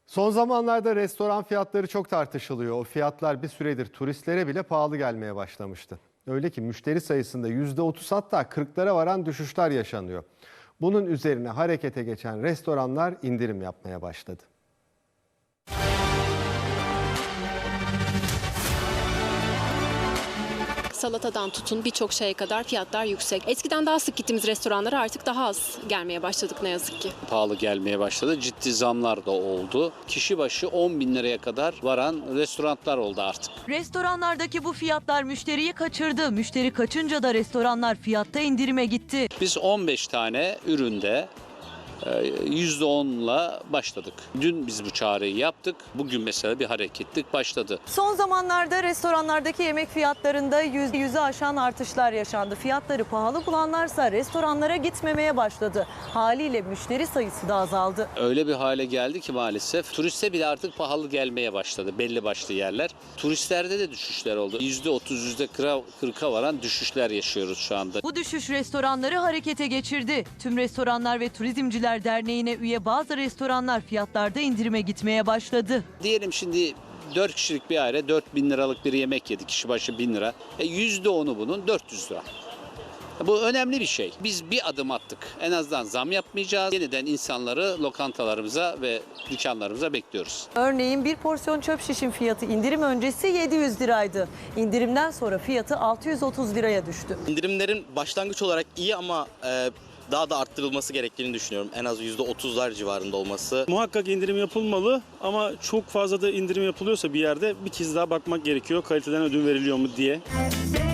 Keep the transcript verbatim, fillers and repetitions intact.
Son zamanlarda restoran fiyatları çok tartışılıyor. O fiyatlar bir süredir turistlere bile pahalı gelmeye başlamıştı. Öyle ki müşteri sayısında yüzde otuz hatta kırklara varan düşüşler yaşanıyor. Bunun üzerine harekete geçen restoranlar indirim yapmaya başladı. Salatadan tutun birçok şeye kadar fiyatlar yüksek. Eskiden daha sık gittiğimiz restoranlara artık daha az gelmeye başladık ne yazık ki. Pahalı gelmeye başladı. Ciddi zamlar da oldu. Kişi başı on bin liraya kadar varan restoranlar oldu artık. Restoranlardaki bu fiyatlar müşteriyi kaçırdı. Müşteri kaçınca da restoranlar fiyatta indirime gitti. Biz on beş tane üründe yüzde onla başladık. Dün biz bu çağrıyı yaptık. Bugün mesela bir hareketlik başladı. Son zamanlarda restoranlardaki yemek fiyatlarında yüz, yüzü aşan artışlar yaşandı. Fiyatları pahalı bulanlarsa restoranlara gitmemeye başladı. Haliyle müşteri sayısı da azaldı. Öyle bir hale geldi ki maalesef turiste bile artık pahalı gelmeye başladı belli başlı yerler. Turistlerde de düşüşler oldu. yüzde otuz, yüzde kırka varan düşüşler yaşıyoruz şu anda. Bu düşüş restoranları harekete geçirdi. Tüm Restoranlar ve Turizmciler Derneği'ne üye bazı restoranlar fiyatlarda indirime gitmeye başladı. Diyelim şimdi dört kişilik bir aile dört bin liralık bir yemek yedi. Kişi başı bin lira. E yüzde onu bunun dört yüz lira. Bu önemli bir şey. Biz bir adım attık. En azından zam yapmayacağız. Yeniden insanları lokantalarımıza ve dükkanlarımıza bekliyoruz. Örneğin bir porsiyon çöp şişin fiyatı indirim öncesi yedi yüz liraydı. İndirimden sonra fiyatı altı yüz otuz liraya düştü. İndirimlerin başlangıç olarak iyi ama e, daha da arttırılması gerektiğini düşünüyorum. En az yüzde otuzlar civarında olması. Muhakkak indirim yapılmalı ama çok fazla da indirim yapılıyorsa bir yerde bir kez daha bakmak gerekiyor. Kaliteden ödün veriliyor mu diye.